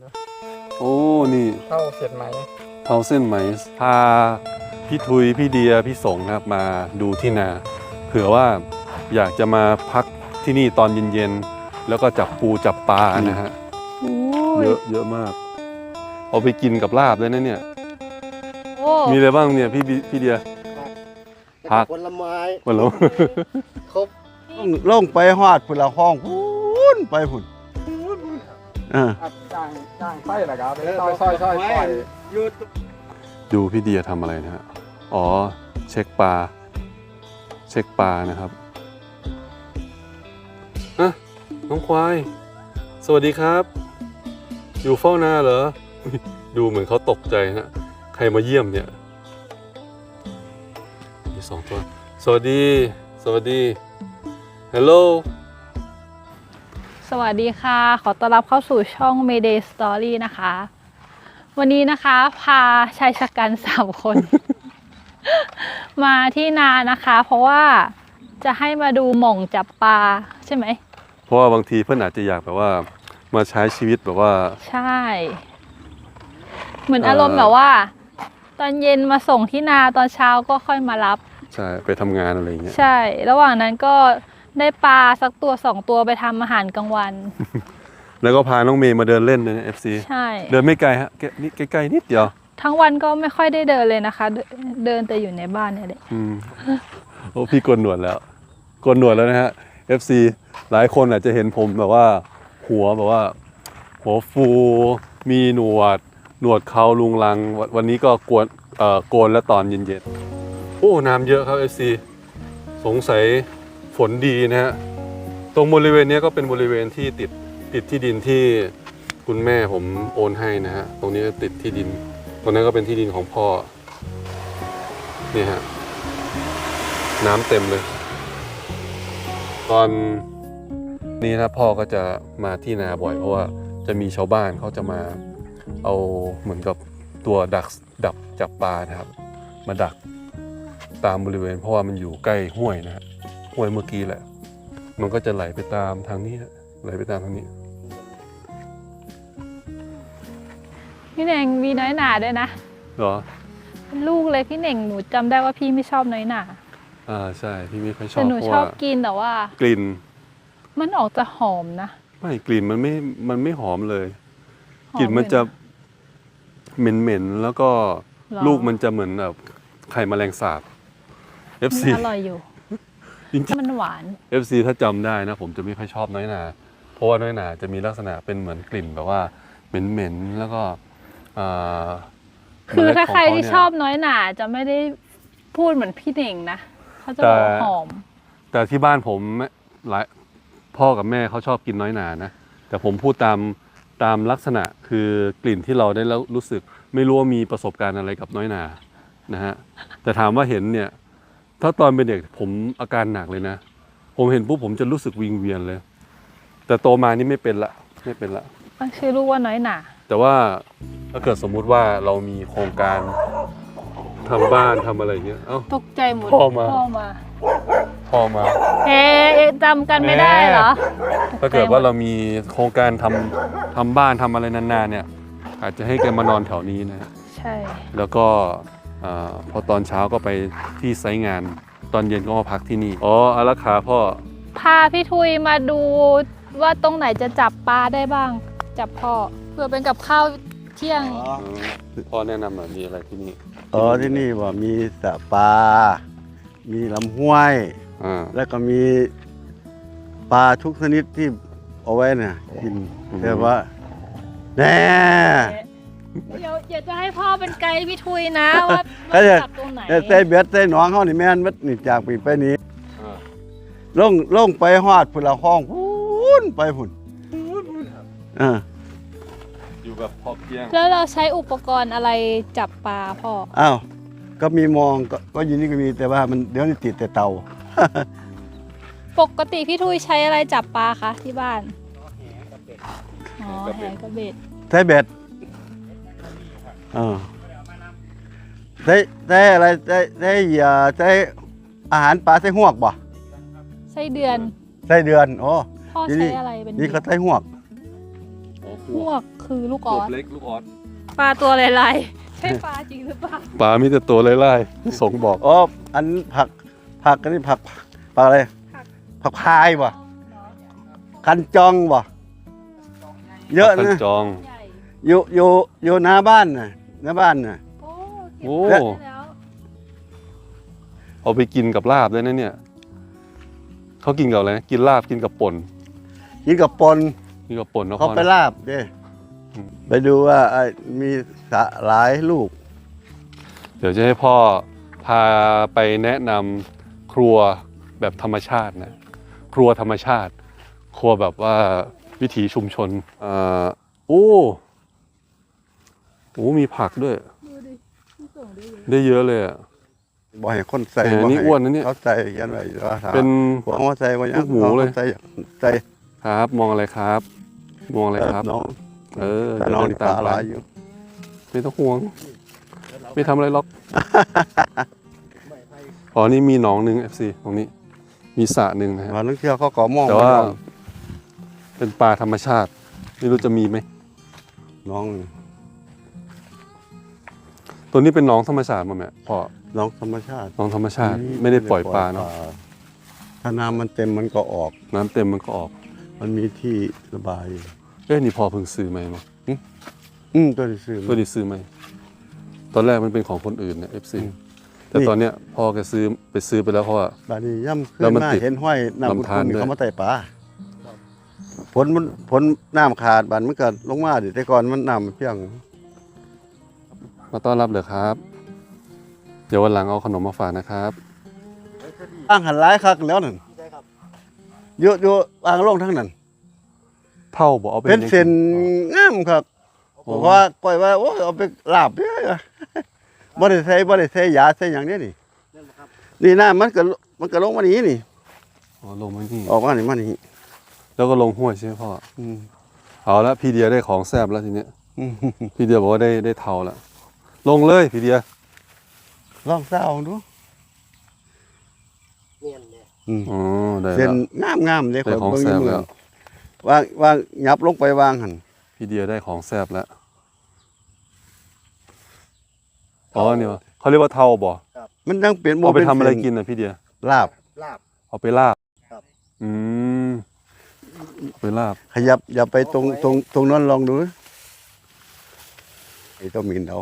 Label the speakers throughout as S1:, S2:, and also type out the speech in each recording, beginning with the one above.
S1: โอ้นี่
S2: เท่าเสร็จไหม
S1: เท้าเส้นไหมพาพี่ทุยพี่เดียพี่สงนะครับมาดูที่นาเผื่อว่าอยากจะมาพักที่นี่ตอนเย็นๆแล้วก็จับปูจับปลานะฮะเยอะมากเอาไปกินกับลาบเลยนะเนี่ยมีอะไรบ้างเนี่ยพี่เดียผัก
S3: ผลไม้
S1: หมดแล้ว
S3: ครบลงไปฮอดพุ่นละห้องพุ่นไปพุ่น
S2: จ้างไส้เหรอครับซอย
S3: อยู่
S1: ดูพี่เดียทำอะไรนะฮะอ๋อเช็คปลานะครับอะน้องควายสวัสดีครับอยู่เฝ้านาเหรอดูเหมือนเขาตกใจฮะใครมาเยี่ยมเนี่ยมี2 ตัวสวัสดีฮัลโหล
S4: สวัสดีค่ะขอต้อนรับเข้าสู่ช่อง Mayday Story นะคะวันนี้นะคะพาชายชะกัน3 คน มาที่นานะคะเพราะว่าจะให้มาดูหม่องจับปลาใช่ไหม
S1: เพราะว่าบางทีเพื่อนอาจจะอยากแบบว่ามาใช้ชีวิตแบบว่า
S4: ใช่เหมือนอารมณ์แบบว่าตอนเย็นมาส่งที่นาตอนเช้าก็ค่อยมารับ
S1: ใช่ไปทำงานอะไรอย่างเงี้ย
S4: ใช่ระหว่างนั้นก็ได้ปลาสักตัว2 ตัวไปทำอาหารกลางวัน
S1: แล้วก็พาน้องเมย์มาเดินเล่นนะ FC
S4: ใช่
S1: เดินไม่ไกลฮะนี่ใกล้ๆนิดเดียว
S4: ทั้งวันก็ไม่ค่อยได้เดินเลยนะคะเดินแต่อยู่ในบ้านเนี่ยแหละ
S1: โอ้พี่โกนหนวดแล้วนะฮะ FC หลายคนอาจจะเห็นผมแบบว่าหัวฟูมีหนวดเขาลุงลังวันนี้ก็โกนแล้วตอนเย็นๆโอ้น้ำเยอะครับ FC สงสัยฝนดีนะฮะตรงบริเวณนี้ก็เป็นบริเวณที่ติดที่ดินที่คุณแม่ผมโอนให้นะฮะตรงนี้ติดที่ดินตรงนั้นก็เป็นที่ดินของพ่อนี่ฮะน้ำเต็มเลยตอนนี้นะพ่อก็จะมาที่นาบ่อยเพราะว่าจะมีชาวบ้านเขาจะมาเอาเหมือนกับตัวดักจับปลานะครับมาดักตามบริเวณเพราะว่ามันอยู่ใกล้ห้วยนะฮะห้วยเมื่อกี้แหละมันก็จะไหลไปตามทางนี้ไหลไปตามทางนี้
S4: พี่เน่งมีน้อยหนาด้วยนะ
S1: เหรอ
S4: เป็นลูกเลยพี่เน่งหนูจำได้ว่าพี่ไม่ชอบน้อยหนา
S1: ใช่พี่ไม่ค่อยชอบ
S4: แต่หนูชอบกินแต่ว่าก
S1: ลิ่น
S4: มันออกจะหอมนะ
S1: ไม่กลิ่นมันไม่หอมเลยกลิ่นมันจะเหม็นแล้วก็ลูกมันจะเหมือนแบบไข่แมลงสาบ FC
S4: อร่อยอยู่
S1: จริงๆ
S4: มันหวาน
S1: FC ถ้าจำได้นะผมจะไม่ค่อยชอบน้อยหนาเพราะว่าน้อยหนาจะมีลักษณะเป็นเหมือนกลิ่นแบบว่าเหม็นแล้วก็
S4: คือถ้าใครที่ชอบน้อยหนาจะไม่ได้พูดเหมือนพี่เน่งนะเขาจะบอกหอม
S1: แต่ที่บ้านผมพ่อกับแม่เขาชอบกินน้อยหนานะแต่ผมพูดตามลักษณะคือกลิ่นที่เราได้แล้วรู้สึกไม่รู้ว่ามีประสบการณ์อะไรกับน้อยหนานะฮะแต่ถามว่าเห็นเนี่ยถ้าตอนเป็นเด็กผมอาการหนักเลยนะผมเห็นปุ๊บผมจะรู้สึกวิงเวียนเลยแต่โตมานี่ไม่เป็นละ
S4: ตั้งชื่อลูกว่าน้อยหนา
S1: แต่ว่าถ้าเกิดสมมุติว่าเรามีโครงการทำบ้านทำอะไรเงี้ย
S4: ตกใจหมด
S1: พ่อมา
S4: เฮ้จำกันไม่ได้เหรอ
S1: ถ้าเกิดว่าเรามีโครงการทำบ้านทำอะไรนานๆเนี่ยอาจจะให้แกมานอนแถวนี้นะ
S4: ใช่
S1: แล้วก็พอตอนเช้าก็ไปที่ไซต์งานตอนเย็นก็มาพักที่นี่อ๋ออารักขาพ่อ
S4: พาพี่ทุยมาดูว่าตรงไหนจะจับปลาได้บ้างจับพ่อเพื่อเป็นกับข้าวเที่ยง
S1: พ่อแนะนำหน่อยมีอะไรที่นี่
S3: ที่นี่ว่ามีสระปลามีลำห้วยแล้วก็มีปลาทุกชนิดที่เอาไว้เนี่ยกินแต่ว่าแน่
S4: เดี๋ยวจะให้พ่อเป็นไกด์พี่ทุยนะว่าจับตรงไหน
S3: ใส่เบ็ดใส่หนองเขานี่แม่นมัดนี่จากปีไปนี้ลงไปฮอดพุ่นละห้องพุ่นไปพุ่น
S1: อยู่แบบพอเพียง
S4: แล้วเราใช้อุปกรณ์อะไรจับปลาพ่อ
S3: ก็มีมองก็ยินนี่ก็มีแต่ว่ามันเดี๋ยวนี้ติดแต่เตา
S4: ปกติพี่ทุยใช้อะไรจับปลาคะที่บ้านแหกับเบ็ด
S3: ใช้เบ็ดใช้อะไรใช้อาหารปลาใช้หวกบ่
S4: ไส้เดือน
S3: โอ้
S4: พ่อใช้อะไรเป็น
S3: นี่เขาใช้หวก
S4: คือคือลูกออส
S1: เล็กลูกออส
S4: ปลาตัวลายๆใช่ปลาจริงหรือเปล่า
S1: ปลามีแต่ตัวไล่ๆพี่สงบอก
S3: อ๋ออันผักอันนี้ผักอะไรผักพายบ่กันจองบ่เยอะ
S1: กัน
S3: นะ
S1: จอง
S4: ใหญ่
S3: อยู่หน้าบ้านน่ะหน้าบ้านน่ะ
S4: โอ้
S1: โอ้
S4: เก็บได้แล้ว
S1: เอาไปกินกับลาบได้นะเนี่ยเขากินกับอะไรนะกินลาบกินกับป่น
S3: กินกับปน
S1: กินกับป่นเนาะ
S3: เขา
S1: พ่อ
S3: ไป
S1: นะ
S3: ลาบเด้
S1: อืม
S3: ไปดูว่ามีสระหลายลูก
S1: เดี๋ยวจะให้พ่อพาไปแนะนำครัวแบบธรรมชาตินะครัวธรรมชาติ ครัวแบบว่าวิถีชุมชนโอ้มีผักด้วย
S4: ดูดิพี่ส่งได้เลย
S1: ได้เยอะเลยอ่ะ
S3: บ่ให้คนใส่
S1: แหม
S3: บ่
S1: นี่
S3: ให้
S1: อ้วนนะเนี่ย
S3: เขาใส่กันไว้ว่าถาม
S1: เป็น
S3: หัวเขาใส่ว่า
S1: ลูกหมูเลย
S3: ขาใส่
S1: ครับมองอะไรครับ มองอะไรครับ
S3: น้อง
S1: เออ
S3: แต่น้อง
S1: เดิ
S3: นี่
S1: ตาม
S3: ตา
S1: ไป
S3: ลายอยู่
S1: ไม่ต้องห่วง ไม่ทำอะไรหรอก อ๋อนี่มีหนองหนึ่ง FC ตรงนี้ มีสระหนึ่งนะฮะ
S3: มานักเที่ยวเขาก็มอง
S1: แต่ว่า
S3: น้อง เป็น
S1: ปลาธรรมชาติ ไม่รู้จะมีไหม
S3: น้อง
S1: ตัวนี้เป็นหนองธรรมชาติมั้ยแม่พ่อ
S3: น้องธรรมชาติ
S1: หนองธรรมชาติ ไม่ได้ปล่อยปลาเนาะ
S3: ถ้าน้ำมันเต็มมันก็ออก
S1: น้ำเต็มมันก็ออก
S3: มันมีที่ระบาย
S1: เอ้ยนี่พ่อเพิ่งซื้อไหมมั้ง
S3: ตัวที่ซื้อ
S1: ตัวนี้ซื้อไหมตอนแรกมันเป็นของคนอื่นเนี่ย FC แต่
S3: นี่
S1: ตอนเนี้ยพ่อแกซื้อไปแล้วเพราะว่า
S3: บาดนี้ย่ำขึ้
S1: แล้ว
S3: น
S1: มัน
S3: มา
S1: ติด
S3: เห็นห้อยน้ำ
S1: ลำธาร
S3: คุณ
S1: ด้วย
S3: เขามาไต่ปลาผลน้ำขาดบานมันก็ลงมาดิแต่ก่อนมันน้ำมันเพียง
S1: มาต้อนรับเลยครับ เดี๋ยววันหลังเอาขนมมาฝากนะครับ
S3: อ่างหันร้ายคักแล้วนั่นอยู่อ่างลงทั้งนั้น
S1: เท่าบอกเอาไป
S3: เป็นเส้นงามครับ
S1: โอ้
S3: บอกว่าปล่อยว่าโอ้ยเอาไปลาบเด้อบ่ได้ใส่ยาใส่หยังเด้นี่นี่น้ำมันก็ลงมานี่นี่
S1: อ๋อลงมานี่
S3: ออกมานี่มานี่
S1: แล้วก็ลงห้วยใช่ไหมพ่อ
S3: อืม
S1: เอาละพี่เดียได้ของแซ่บแล้วทีเนี้ย
S3: อืม
S1: พี่เดียบอกว่าได้เทาแล้วลงเลยพี่เดีย
S3: ลองเศร้าดูอืม
S1: อ๋อได้
S3: เส้น
S1: แล้ว
S3: งามๆเลย
S1: ได้ของ
S3: เบิ่
S1: แซ่บ
S3: ยู่
S1: แล้ว
S3: วางยับลงไปวางหัน
S1: พี่เดียได้ของแซ่บแล้วอ๋อเนี่ยวะเขาเรียกว่าเทาบ่
S3: มันยังเป็น
S1: เอาไปทำอะไร
S3: เส้
S1: กินนะพี่เดีย
S3: ลาบ
S1: เอาไปลาบ
S3: ครับ
S1: อืมเอาไปลาบ
S3: ขยับอย่าไปตรงนั้นลองดูไอ้ต้องมินเอา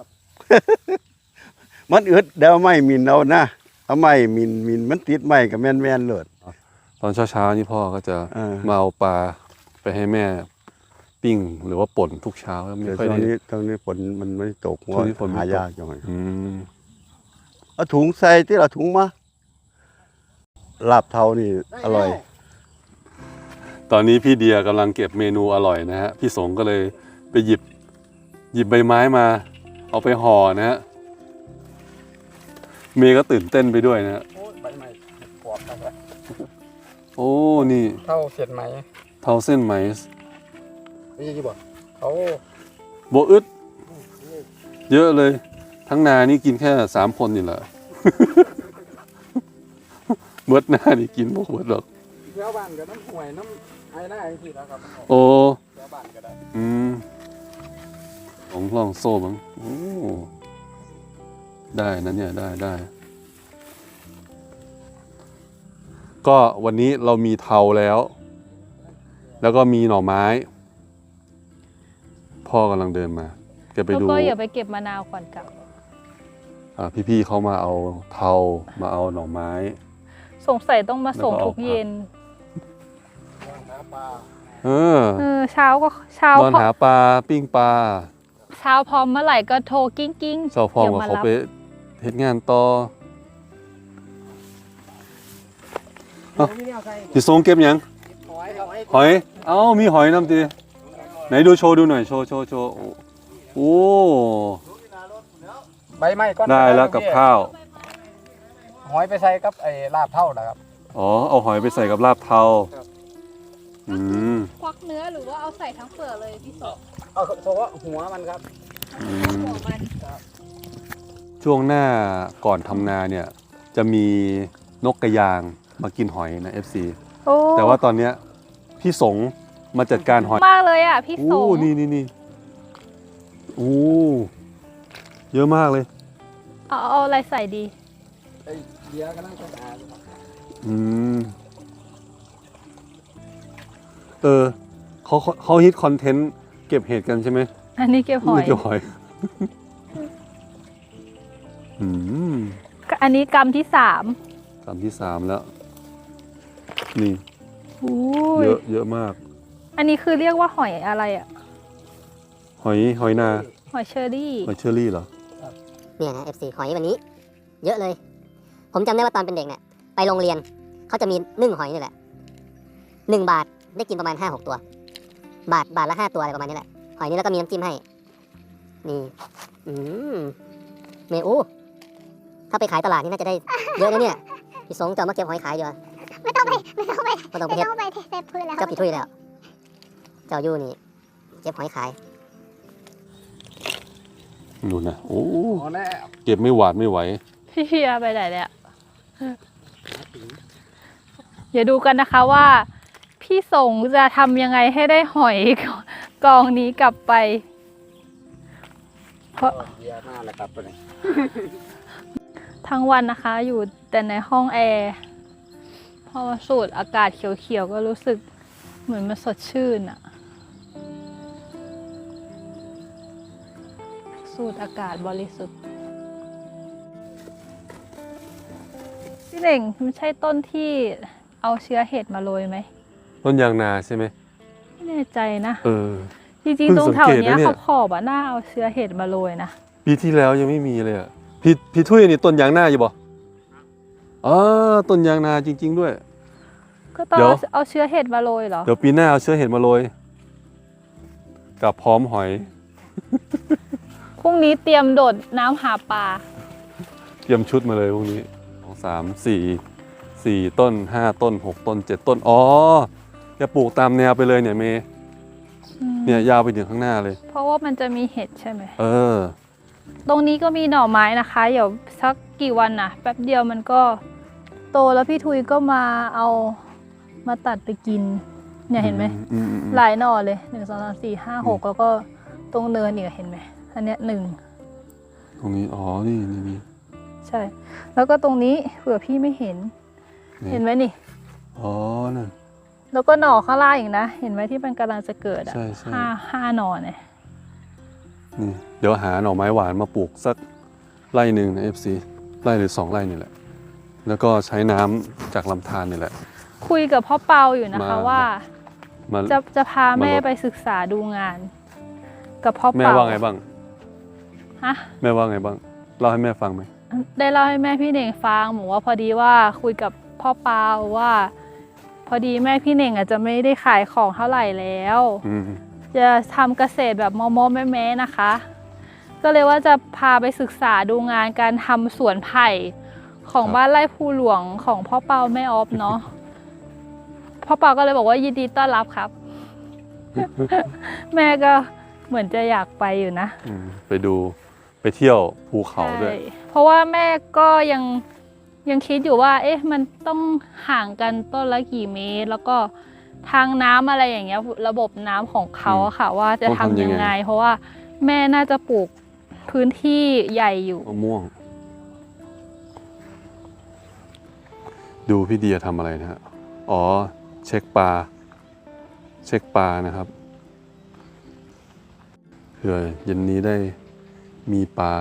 S3: มันอึดเดี๋ยวไม่มินเอานะเอาไม่มินมันติดไม่กับแม่นๆเลย
S1: ตอนเช้าๆนี่พ่อก็จะ
S3: เออ
S1: มาเอาปลาไปให้แม่ปิ้งหรือว่าป่นทุกเช้าแล้วไม่
S3: เดี๋ยว
S1: ค่อย
S3: ตอน
S1: ได้
S3: นี้ฝนมันไม่ตก
S1: ช่วงนี้ฝนไม่ตก
S3: หายากจังเลย
S1: อืม
S3: เอาถุงใส่ที่เราถุงมาลาบเทานี่อร่อย
S1: ตอนนี้พี่เดียกำลังเก็บเมนูอร่อยนะฮะพี่สงก็เลยไปหยิบใบไม้มา เอาไปห่อนะฮะเมย์ก็ตื่นเต้นไปด้วยนะฮะ
S2: โอ้ยใบใหม่กรอบครับ
S1: โอ้นี่
S2: เท่าเสียดไหม
S1: เทาเส้นไหม
S2: นี่กี่บ่เขา
S1: โบอึดเยอะเลย ทั้งนานี่กินแค่3 คนนี่แหละ เบิดหน้านี่กินพวกเบิดหรอก
S2: แถวบ้านกับน้ำห่วยน้ำไอ้หน้าอย่างที่แล้วครับ
S1: โอ้
S2: แถวบ้านก็ได้
S1: อืมลองโซ่บ้างโอ้ได้นะเนี่ยได้ ก็วันนี้เรามีเทาแล้ว แล้วก็มีหน่อไม้ พ่อกำลังเดินมาแกไป
S4: แล้ว
S1: ดู
S4: ก็อย่าไปเก็บมะนาวก่อนกลับ
S1: พี่ๆเขามาเอาเทามาเอาหน่อไม้
S4: สงสัยต้องมาส่ง
S1: แล้วก็เอา
S4: ทุกเย็น
S2: วางหาปลา
S1: เออ
S4: เช้าก็เช้าน
S1: อนหาปลาปิ้งปลา
S4: เช้าพร้อมเมื่อไหร่ก็โทรกิ้งกิ้ง
S1: เจ้าพ่อกับเขาไปเฮ็ดงานต่อพี่ทรงเก็บยัง
S2: หอยครับ
S1: หอย เอ้ามีหอยน้ำตีไหนดูโชว์ดูหน่อยโชว์โอ้
S2: ใบไม้ก้อน
S1: ได้แล้วกับข้าว
S2: หอยไปใส่กับไอ้ลาบเท่านะครับ
S1: อ๋อเอาหอยไปใส่กับลาบเทาอืม
S4: ควักเนื้อหรือว่าเอาใส่ทั้งเปลือกเลยพี่สด
S2: เอาเฉพาะหัวมันครับ
S1: อืม
S4: หัวมัน
S1: ช่วงหน้าก่อนทำนาเนี่ย จะมีนกกระยางมากินหอยนะ FC
S4: โอ้
S1: แต่ว่าตอนเนี้ยพี่สงมาจัดการหอย
S4: มากเลยอ่ะพี่ส
S1: โอ้
S4: ง
S1: นี่โอ้เยอะมากเลย
S4: เอาอะไรใส่ดี
S2: ไอ้เบียร์ก็นั่งกระดาษ
S1: อืมเขาฮิตคอนเทนต์เก็บเห็ดกันใช่ไหม
S4: อันนี้เก็บหอย
S1: เก็บหอยอืม
S4: อันนี้กรัมที่3
S1: กรัมที่3แล้ว นี่
S4: อุ้ย
S1: เยอะมาก
S4: อันนี้คือเรียกว่าหอยอะไรอ่ะ
S1: หอยนา
S4: หอยเชอรี่
S1: หอยเชอรี่เหรอ
S5: เนี่ยนะ FC หอยวันนี้ เยอะเลย ผมจำได้ว่าตอนเป็นเด็กเนี่ยไปโรงเรียนเขาจะมีนึ่งหอยนี่แหละ1 บาทได้กินประมาณ 5-6 ตัว บาทละ 5 ตัวอะไรประมาณนี้แหละหอยนี้แล้วก็มีน้ำจิ้มให้ นี่เมอูถ้าไปขายตลาดนี่น่าจะได้เยอะนะเนี่ยพี่สงจะเอามาเก็บหอยขายอยู่ไม่ต้องไปเทพื้นแล้วเจ้าผิดทุยแล้วเจ้ายู่นี่เก็บหอยขาย
S1: นู่นนะโอ้
S2: พอแล้ว
S1: เก็บไม่หวาดไม่ไหว
S4: พี่เพียไปไหนเนี่ยเดี๋ยวดูกันนะคะว่า พี่สงจะทำยังไงให้ได้หอยกองนี้กลับไป เพราะ
S2: เบียร์หน้าแหละครับตัวนี้
S4: ทั้งวันนะคะ อยู่แต่ในห้องแอร์พอมาสูดอากาศเขียวๆก็รู้สึกเหมือนมันสดชื่นอะสูดอากาศบริสุทธิ์พี่เน่งมันใช่ต้นที่เอาเชื้อเห็ดมาโรยไหม
S1: ต้นยางนาใช่ไหม
S4: ไม่แน่ใจนะ จริง
S1: เพิ่
S4: ๆ
S1: ง
S4: ตรงแถว
S1: สังเกต
S4: เนี้ย
S1: นะเนี่ย
S4: ขอบๆอะน่าเอาเชื้อเห็ดมาโรยนะ
S1: ปีที่แล้วยังไม่มีเลยอ่ะพี่ทุยนี่ต้นยางนาอยู่บ่อ๋อต้นยางนาจริง ๆ ด้วย
S4: ก็ต้อง
S1: เดี๋ยว
S4: เอาเชื้อเห็ดมาโรยเหรอ
S1: เดี๋ยวปีหน้าเอาเชื้อเห็ดมาโรยกับพร้อมหอย
S4: พรุ่งนี้เตรียมโดดน้ำหาปลา
S1: เตรียมชุดมาเลยพวกนี้4 ต้น 5 ต้น 6 ต้น 7 ต้น อ๋อจะปลูกตามแนวไปเลยเนี่ยเมย์เนี่ยยาวไปถึงข้างหน้าเลย
S4: เพราะว่ามันจะมีเห็ดใช่ไหมตรงนี้ก็มีหน่อไม้นะคะเดี๋ยวสักกี่วันนะแป๊บเดียวมันก็โตแล้วพี่ทุยก็มาเอามาตัดไปกิน เนี่ยเห็นไหม หลายหน่อเลย1 2 3 4 5 6แล้วก็ตรงเนินอีกเห็นไหมอันเนี้ย1
S1: ตรงนี้ อ๋อ นี่
S4: ใช่ แล้วก็ตรงนี้เผื่อพี่ไม่เห็น เห็นไหมนี่
S1: อ๋อ นั่น
S4: แล้วก็หน่อข้างล่างอีกนะ เห็นไหมที่มันกำลังจะเกิดอ่ะ
S1: ใช่
S4: ห้าหน่อเนี่ย
S1: นี่ เดี๋ยวหาหน่อไม้หวานมาปลูกสักไร่หนึ่งนะ FC ไร่หรือ2 ไร่นี่แหละ แล้วก็ใช้น้ำจากลำธารนี่แหละ
S4: คุยกับพ่อเปาอยู่นะคะ ว่า
S1: มา
S4: จะพาแม่
S1: มาลด
S4: ไปศึกษาดูงาน กับพ่อ
S1: แม่
S4: เปา
S1: ว่าไงบ้าง
S4: ฮะ
S1: แม่ว่าไงบ้าง เล่าให้แม่ฟังไหม
S4: ได้เล่าให้แม่พี่เน่งฟังบอกว่าพอดีว่าคุยกับพ่อเปาว่า พอดีแม่พี่เน่งอาจจะไม่ได้ขายของเท่าไหร่แล้ว จะทำเกษตรแบบมอแม่ๆนะคะ ก็เลยว่าจะพาไปศึกษาดูงานการทำสวนไผ่ของบ้านไร่ภูหลวงของพ่อเปาแม่ออฟเนาะ พ่อเปาก็เลยบอกว่ายินดีต้อนรับครับ แม่ก็เหมือนจะอยากไปอยู่นะ
S1: ไปดูไปเที่ยวภูเขาด้วย
S4: ใช่เพราะว่าแม่ก็ยังคิดอยู่ว่า เอ๊ะมันต้องห่างกันต้นละกี่เมตร แล้วก็ทางน้ำอะไรอย่างเงี้ยระบบน้ำของเขาอะค่ะ ว่าจะทำยังไง เพราะว่าแม่น่าจะปลูกพื้นที่ใหญ่อยู่
S1: มะม่วง ดูพี่เดียทำอะไรนะฮะ อ๋อ เช็คปลานะครับเผื่อเย็นนี้ได้มีปลา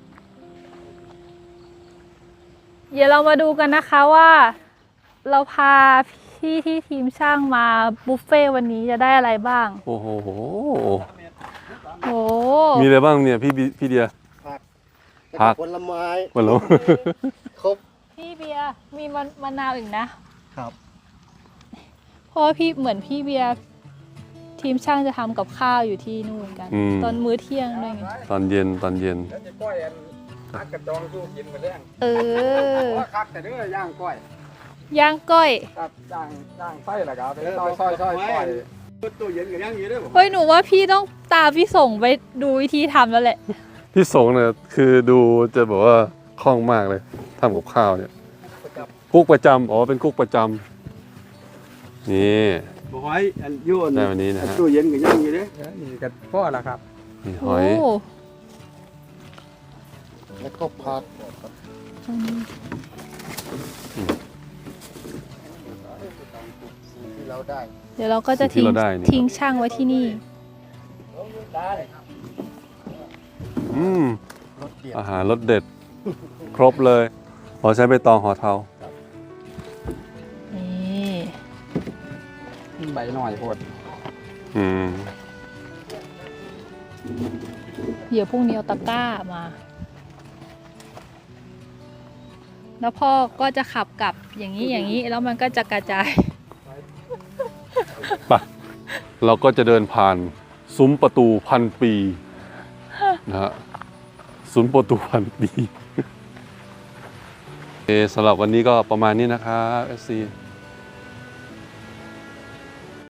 S4: เดี๋ยวเรามาดูกันนะคะว่าเราพาพี่ที่ทีมช่างมาบุฟเฟ่ต์วันนี้จะได้อะไรบ้าง
S1: โอ้โห
S4: โอ้
S1: มีอะไรบ้างเนี่ยพี่เดีย ผัก
S3: ผลไม้
S1: หมดแล้ว
S3: ครบ
S4: พี่เบียร์มีมะนาวอีกนะครับ เพราะว่าพี่เหมือนพี่เบียร์ทีมช่างจะทำกับข้าวอยู่ที่นู่นกัน ตอนมื้อเที่ยงด้วยไง
S1: ตอนเย็น
S2: แล้วจะก้อยอันฮักกระจองสู้กินมาเรื่อง
S4: เออ
S2: ว่าคักแต่เด้อย่างก้อย
S4: ย่างก้อย
S2: ครับย่างไส้ละครับไปซอยก้อย
S3: ตู้เย็นกับย่างอยู่ด้วย
S4: เฮ้ยหนูว่าพี่ต้องตามพี่ส่งไปดูวิธีทำแล้วแหละ
S1: พี่สงเนี่ยคือดูจะแบบว่าคล่องมากเลยทำกับข้าวเนี่ยกุ๊กประจำอ๋อเป็นกุ๊กประจำนี่
S3: บอกไว้อันยุ่น
S1: ได้วันนี้นะฮะ
S3: ตู้เย็นกับย่างอยู่ด้วย
S2: นี่กับพ่อละครับ
S1: นี่ห
S4: โอ้
S1: อย
S2: แล้วก็พัดที่เราได้
S4: เดี๋ยวเราก็จะ
S1: สิ่งที่เราได้นี่
S4: ทิ้งช่างไว้ที่นี่
S1: อืม
S2: รถเดียว
S1: อาหารรสเด็ด ครบเลยขอใช้ใบตองห่อเทา
S4: นี่
S2: ใบหน่อยโพด
S1: อืม
S4: เดี๋ยวพรุ่งนี้เอาตะกร้ามา แล้วพ่อก็จะขับกลับอย่างนี้อย่างนี้ แล้วมันก็จะกระจาย
S1: ไปเราก็จะเดินผ่านซุ้มประตูพันปีนะฮะซุ้มประตูพันปีโอเคสำหรับวันนี้ก็ประมาณนี้นะครับ FC